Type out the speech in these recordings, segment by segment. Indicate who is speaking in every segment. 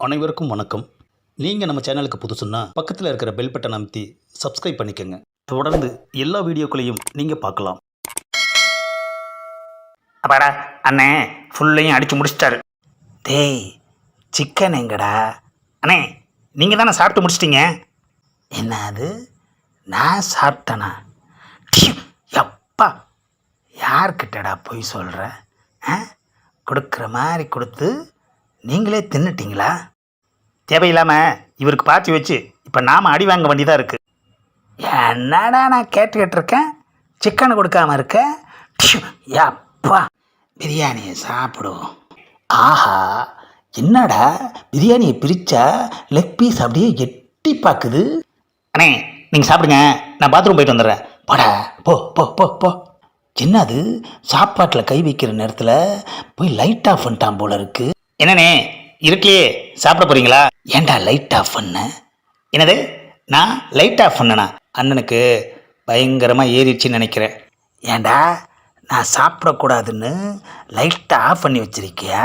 Speaker 1: அனைவருக்கும் வணக்கம். நீங்கள் நம்ம சேனலுக்கு புதுசுன்னா பக்கத்தில் இருக்கிற பெல் பட்டன் அமைத்தி சப்ஸ்கிரைப் பண்ணிக்கோங்க. தொடர்ந்து எல்லா வீடியோக்களையும் நீங்கள் பார்க்கலாம்.
Speaker 2: அப்பாடா அண்ணே ஃபுல்லையும் அடித்து முடிச்சிட்டாரு. டேய் சிக்கன் எங்கடா? அண்ணே நீங்கள் தானே சாப்பிட்டு முடிச்சிட்டிங்க. என்ன அது நான் சாப்பிட்டேனா? எப்பா யார்கிட்டடா போய் சொல்கிற? கொடுக்குற மாதிரி கொடுத்து நீங்களே தின்னுட்டிங்களா? தேவையில்லாமல் இவருக்கு பாய்ச்சி வச்சு இப்போ நாம் அடி வாங்க வேண்டியதாக இருக்குது. என்னடா நான் கேட்டுக்கிட்டு இருக்கேன், சிக்கனை கொடுக்காம இருக்க? அப்பா பிரியாணியை சாப்பிடுவோம். ஆஹா என்னடா பிரியாணியை பிரித்தா லெக் பீஸ் அப்படியே எட்டி பார்க்குது. அண்ணே நீங்கள் சாப்பிடுங்க, நான் பாத்ரூம் போயிட்டு வந்துடுறேன். போடா போ போ போ போ. என்னது சாப்பாட்டில் கை வைக்கிற நேரத்தில் போய் லைட் ஆஃப் பண்ணிட்டான் போல இருக்கு. என்னண்ணே இருட்டிலேயே சாப்பிட போகிறீங்களா? ஏன்டா லைட் ஆஃப் பண்ண? என்னது நான் லைட் ஆஃப் பண்ணனா? அண்ணனுக்கு பயங்கரமாக ஏறிடுச்சின்னு நினைக்கிறேன். ஏண்டா நான் சாப்பிடக்கூடாதுன்னு லைட்டை ஆஃப் பண்ணி வச்சிருக்கியா?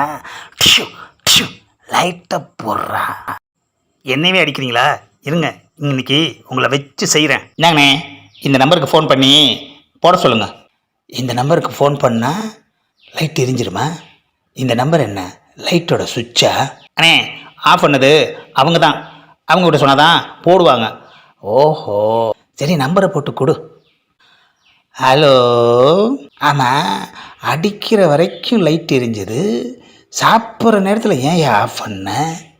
Speaker 2: லைட்டை போடுறா. என்னையே அடிக்கிறீங்களா? இருங்க இன்னைக்கு உங்களை வச்சு செய்கிறேன். என்னங்கண்ணே இந்த நம்பருக்கு ஃபோன் பண்ணி போட சொல்லுங்கள். இந்த நம்பருக்கு ஃபோன் பண்ணால் லைட் எரிஞ்சிருமா? இந்த நம்பர் என்ன லைட்டோட சுவிட்சா? அண்ணே ஆஃப் பண்ணது அவங்க தான், அவங்க கிட்ட சொன்னாதான் போடுவாங்க. ஓஹோ சரி நம்பரை போட்டு கொடு. ஹலோ. ஆமாம் அடிக்கிற வரைக்கும் லைட் எரிஞ்சது, சாப்பிட்ற நேரத்தில் ஏன் ஆஃப் பண்ண?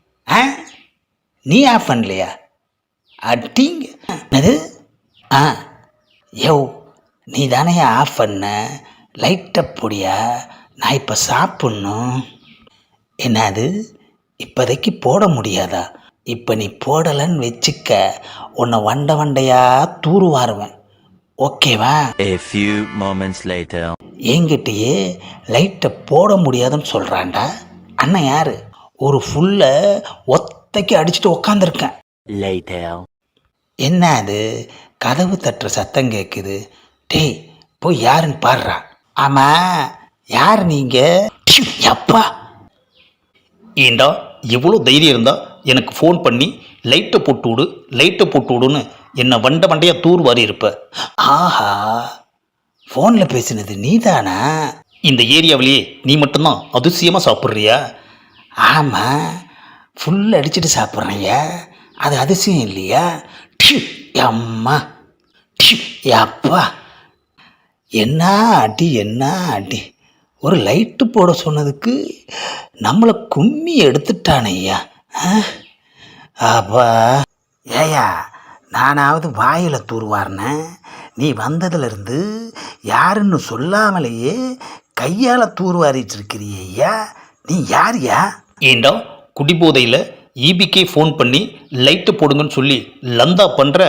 Speaker 2: நீ ஆஃப் பண்ணலையா? அடிங்க அது. யோ நீ தானே ஆஃப் பண்ண, லைட்டை பொடியா? நான் இப்போ சாப்பிட்ணும். என்னது இப்போதைக்கு போட முடியாதா? இப்போ நீ போடலைன்னு வச்சுக்க, உன்னை வண்டை வண்டையாக தூருவாருவேன். ஓகேவா?
Speaker 3: A few moments later.
Speaker 2: என்கிட்டயே லைட்டை போட முடியாதுன்னு சொல்கிறான்டா. அண்ணன் யார்? ஒரு ஃபுல்லை ஒத்தைக்கு அடிச்சுட்டு உக்காந்துருக்கேன்.
Speaker 3: Later.
Speaker 2: என்ன அது கதவு தட்டுற சத்தம் கேட்குது. டேய் போய் யாருன்னு பாடுறா. ஆமாம் யார் நீங்கள்? அப்பா
Speaker 1: ஏண்டா எவ்வளோ தைரியம் இருந்தால் எனக்கு ஃபோன் பண்ணி லைட்டை போட்டு விடு லைட்டை போட்டு விடுன்னு என்னை வண்டை வண்டையாக தூர் வாரி இருப்ப.
Speaker 2: ஆஹா ஃபோனில் பேசினது நீ தானா?
Speaker 1: இந்த ஏரியாவிலேயே நீ மட்டும்தான் அதிசயமாக சாப்பிட்றியா?
Speaker 2: ஆமாம் ஃபுல் அடிச்சுட்டு சாப்பிட்றேன்யா, அது அதிசயம் இல்லையா? அம்மா அப்பா என்ன அடி என்ன அடி. ஒரு லைட்டு போட சொன்னதுக்கு நம்மளை கும்மி எடுத்துட்டானையா. அப்பா ஏயா நானாவது வாயில் தூர்வாரினேன், நீ வந்ததுலேருந்து யாருன்னு சொல்லாமலேயே கையால் தூர்வாரிட்டு இருக்கிறியா. நீ யார்யா?
Speaker 1: ஏண்டா குடிபோதையில் ஈபிக்கே ஃபோன் பண்ணி லைட்டு போடுங்கன்னு சொல்லி லந்தா பண்ணுற.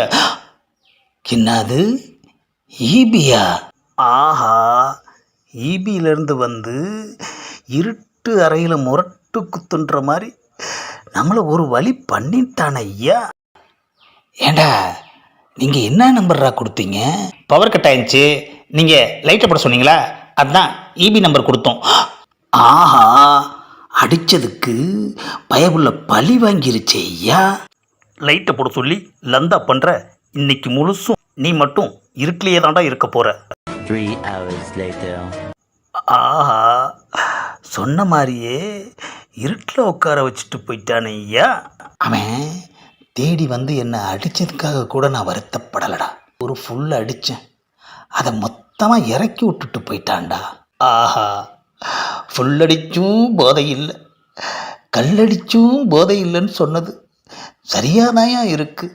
Speaker 2: என்னது ஈபியா? ஆஹா ஈபியிலேருந்து வந்து இருட்டு அறையில் முரட்டு குத்துன்ற மாதிரி நம்மளை ஒரு வழி பண்ணிட்டான ஐயா. ஏண்டா நீங்கள் என்ன நம்பர்ரா கொடுத்தீங்க?
Speaker 1: பவர் கட் ஆயிடுச்சு, நீங்கள் லைட்டை போட சொன்னீங்களா, அதுதான் ஈபி நம்பர் கொடுத்தோம்.
Speaker 2: ஆஹா அடித்ததுக்கு பயபுள்ள பழி வாங்கிருச்சே ஐயா.
Speaker 1: லைட்டை போட சொல்லி லந்தா பண்ணுற. இன்னைக்கு முழுசும் நீ மட்டும் இருட்டிலேயே தாண்டா இருக்க போகிற.
Speaker 3: 3 hours later.
Speaker 2: ஆஹா சொன்ன மாதிரியே இருட்டில் உட்கார வச்சுட்டு போயிட்டானே ஐயா. அவன் தேடி வந்து என்னை அடித்ததுக்காக கூட நான் வருத்தப்படலடா. ஒரு ஃபுல் அடித்தேன், அதை மொத்தமாக இறக்கி விட்டுட்டு போயிட்டான்டா.
Speaker 1: ஆஹா ஃபுல் அடிச்சும் போதை இல்லை,
Speaker 2: கல்லடிச்சும் போதை இல்லைன்னு சொன்னது சரியாதாயா இருக்குது.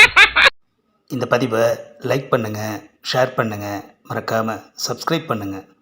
Speaker 1: இந்த பதிவை லைக் பண்ணுங்கள், ஷேர் பண்ணுங்கள், மறக்காமல் சப்ஸ்கிரைப் பண்ணுங்கள்.